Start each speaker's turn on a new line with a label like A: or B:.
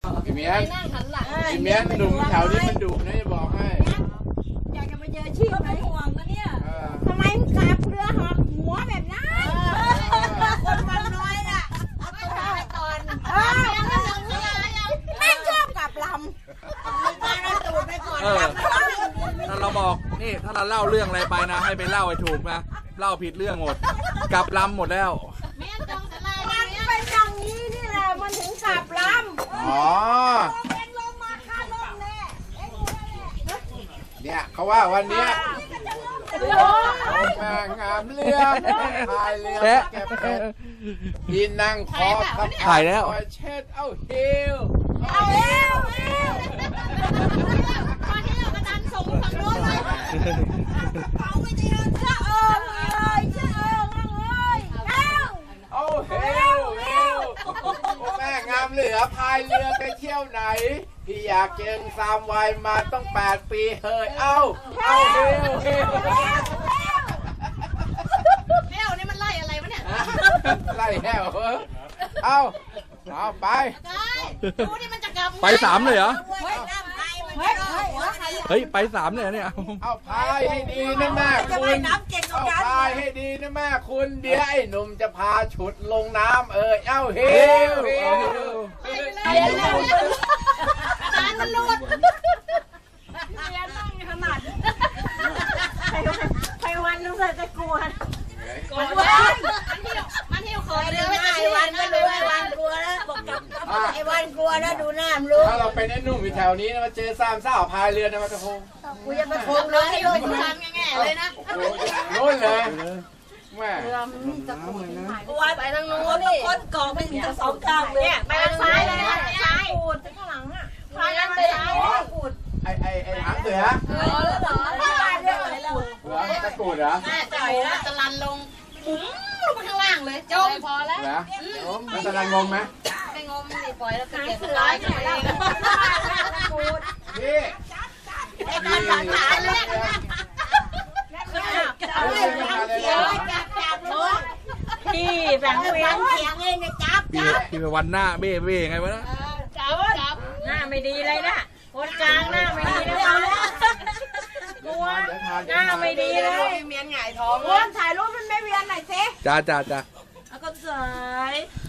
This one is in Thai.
A: พี่เมียน
B: นั่งหันหลัง
A: พี่เมียนหนุ่มแถวนี้มันดุนะจะบอกให้
C: อยากจะมาเจอชีพไหมห่วงนะเนี่ย
D: ทำไมมึงขับเรือหอบหัวแบบนั้น
C: คนมันน้อยน่ะเอาตัวไปก่อน
D: แม่งชอบกลับล
C: มาเอาตูดไปก่อน
E: ถ้าเราบอกนี่ถ้าเราเล่าเรื่องอะไรไปนะให้ไปเล่าให้ถูกนะเล่าผิดเรื่องหมดกลับลำหมดแล้ว
B: แม่จองสลาย
D: ำมันเป็นอย่างนี้นี่แหละมันถึงกลับล
A: อ๋อ
D: ำเป็นลมมาค่าลมแน่ไอ้กูแน่
A: เนี่ยเขาว่าวันเนี้ยงามงามเรือพายเรือเก็บเห็ดที่นั่งคอทับ
E: ถ่ายแล้ว
A: เช็ดเอ้าเฮียว
D: เอาเร็ว
B: มาเที่ยวกระดานส่งฝั่งโน้นเลย
D: เอาไปเจอเจ้าเอิงเลยเจ้าเอิงเลยเอ้า
A: เอ้าเฮียวเฮียวแม่งามเรือพายเรือไปเที่ยวไหนพี่อยากเจอสามวัยมาต้อง8 ปีเฮ้ยเอ้าเฮียวเฮียว
B: เที่ยวนี่มันไล่อะไรวะเนี่ย
A: ไล่แหวเอาไป
B: ได้ดูนี่มันจะกลับ
E: ไป3เลยเหรอ
C: เฮ้ยน้ำไทยมัน
D: เฮ้ย
C: รอ
D: เฮ้ย
C: หัวใคร
E: เฮ้ยไป3เลยเหรอเนี่ย
A: เอาพายให้ดีนะแม่
C: จะ
A: คุ
C: ไป
A: ณ
C: น้ำเก่งกว่า
A: เอา
C: กัน
A: พายให้ดีนะแม่คุณเดี๋ยวไอ้หนุ่มจะพาฉุดลงน้ำเอ้าเฮวเฮว
B: กระดานมันหลุด
D: ไปวันนึงเลยจะกลัว
B: มันเที่ยวขอ
C: ไป
B: เรื
C: ดู
B: อ
C: ห
B: ไม่
C: น้า
B: ใช่
C: ไอ้วันก็ดูไอ้วันกลัวแล้วบอกกับไอ้วันกลัวแล้วดูหน้ามันรู้
A: ถ้าเราเป็นไอ้หนุ่มอยู่แถวนี้นะมาเจอสามสาวพายเรือนะมาจะโคง
C: กูจะไปคง
B: เล
C: เลย ย
B: ให้
C: ให้
B: โด
C: โด
B: น
C: น
B: ทานแง่ๆเลยนะ
A: โอ้โหโน่นเลยแม่
C: กูว่าไปทางนู้นนี่คนเกาะเป็นสองข้างเลย
B: เนี่ยไปทางซ้ายเลยซ้าย
D: ปูดข้างหลังอ่ะ
B: พายนั้นไปซ้าย
A: ไอ้หางเสือ
C: แล้วเหรอแล้ว
A: หัวตะกรูดเหรอ
B: แม่จ่อยแล้วจะลันลงปุ้งลงไปข้างล่างเลยจมพอแล้ว
A: เหรอมันจะดังงงไหม
B: ไปงมดิปล่อยแล้วก็เก็บสลายกันเอง
A: พี่
B: ไอ้การฝังฐานแรกนะ
A: เอาเรือมาเลยนะ
C: จับเลยพี่แบ่งเสียงเองนะจับ
E: พี่ไปวันหน้าเบ้ไงวะนะ
B: จับ
C: หน้าไม่ดีเลยนะคนกลางหน้าไม่ดีนะกลัวหน้าไม่ดีเลยเมียนหงายท้อง
D: อ้วนถ่ายรูปมันไม่เวียนหน่อยสิ
E: จ้า
C: แล้วก็สาย